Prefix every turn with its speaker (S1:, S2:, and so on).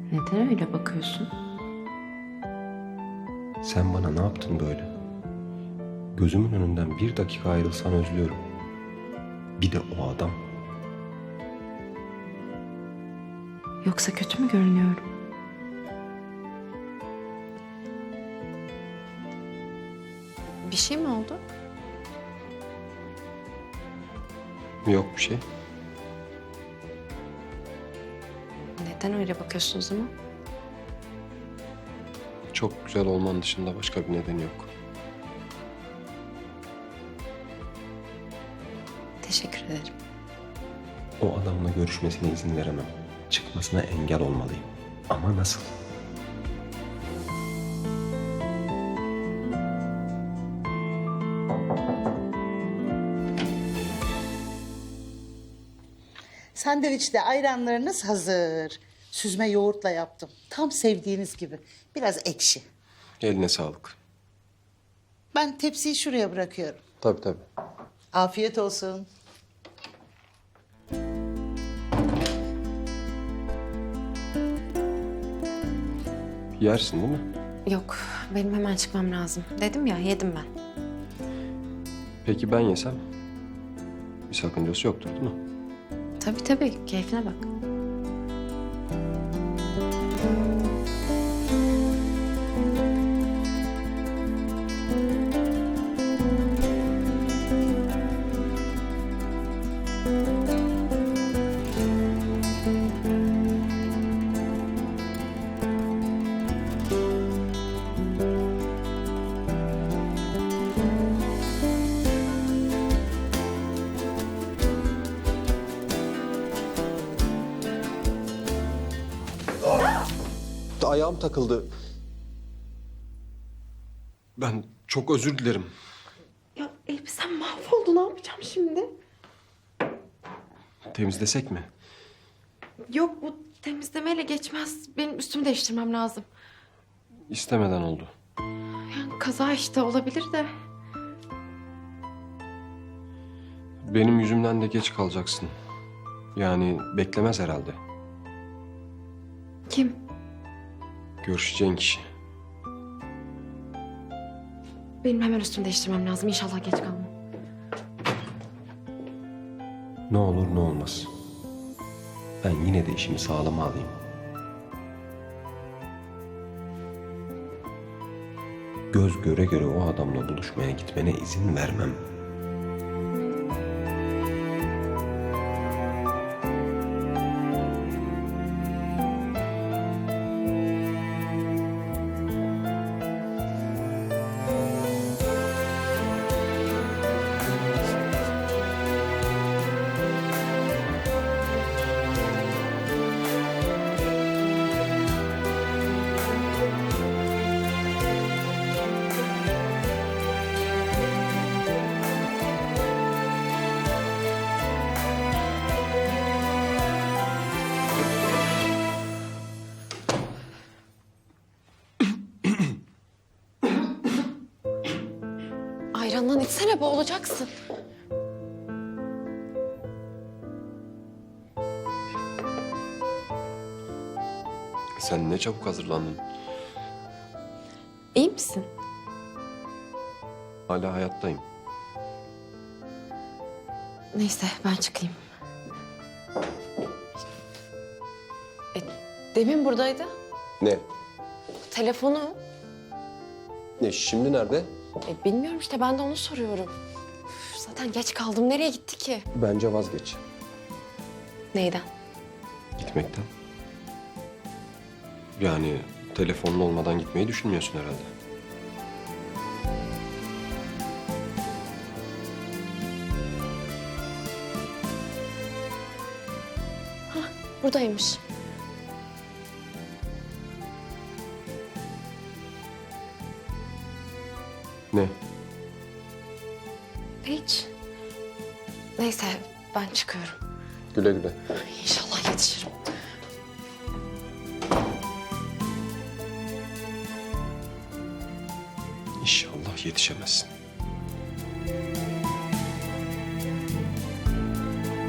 S1: Neden öyle bakıyorsun?
S2: Sen bana ne yaptın böyle? Gözümün önünden bir dakika ayrılsan özlüyorum. Bir de o adam.
S1: Yoksa kötü mü görünüyorum? Bir şey mi oldu?
S2: Yok bir şey.
S1: Neden öyle bakıyorsun o zaman?
S2: Çok güzel olman dışında başka bir nedeni yok.
S1: Teşekkür ederim.
S2: O adamla görüşmesine izin veremem. Çıkmasına engel olmalıyım. Ama nasıl?
S3: Sandviçle ayranlarınız hazır. Süzme yoğurtla yaptım. Tam sevdiğiniz gibi. Biraz ekşi.
S2: Eline sağlık.
S3: Ben tepsiyi şuraya bırakıyorum.
S2: Tabii tabii.
S3: Afiyet olsun.
S2: Yersin değil mi?
S1: Yok, benim hemen çıkmam lazım. Dedim ya, yedim ben.
S2: Peki ben yesem? Bir sakıncası yoktur değil mi?
S1: Tabii tabii, keyfine bak.
S2: Ayağım takıldı. Ben çok özür dilerim.
S1: Ya elbisem mahvoldu, ne yapacağım şimdi?
S2: Temizlesek mi?
S1: Yok, bu temizlemeyle geçmez. Benim üstümü değiştirmem lazım.
S2: İstemeden oldu.
S1: Yani kaza işte, olabilir de.
S2: Benim yüzümden de geç kalacaksın. Yani beklemez herhalde.
S1: Kim?
S2: Görüşeceğin kişi.
S1: Benim hemen üstümü değiştirmem lazım. İnşallah geç kalmam.
S2: Ne olur ne olmaz. Ben yine de işimi sağlama alayım. Göz göre göre o adamla buluşmaya gitmene izin vermem.
S1: Ayrandan içsene, boğulacaksın.
S2: Sen ne çabuk hazırlandın.
S1: İyi misin?
S2: Hala hayattayım.
S1: Neyse, ben çıkayım. E, demin buradaydı.
S2: Ne?
S1: Telefonu.
S2: Ne şimdi nerede?
S1: Bilmiyorum işte, ben de onu soruyorum. Üf, zaten geç kaldım. Nereye gitti ki?
S2: Bence vazgeç.
S1: Neyden?
S2: Gitmekten. Yani telefonun olmadan gitmeyi düşünmüyorsun herhalde.
S1: Buradaymış.
S2: Ne?
S1: Hiç. Neyse, ben çıkıyorum.
S2: Güle güle.
S1: İnşallah yetişirim.
S2: İnşallah yetişemezsin.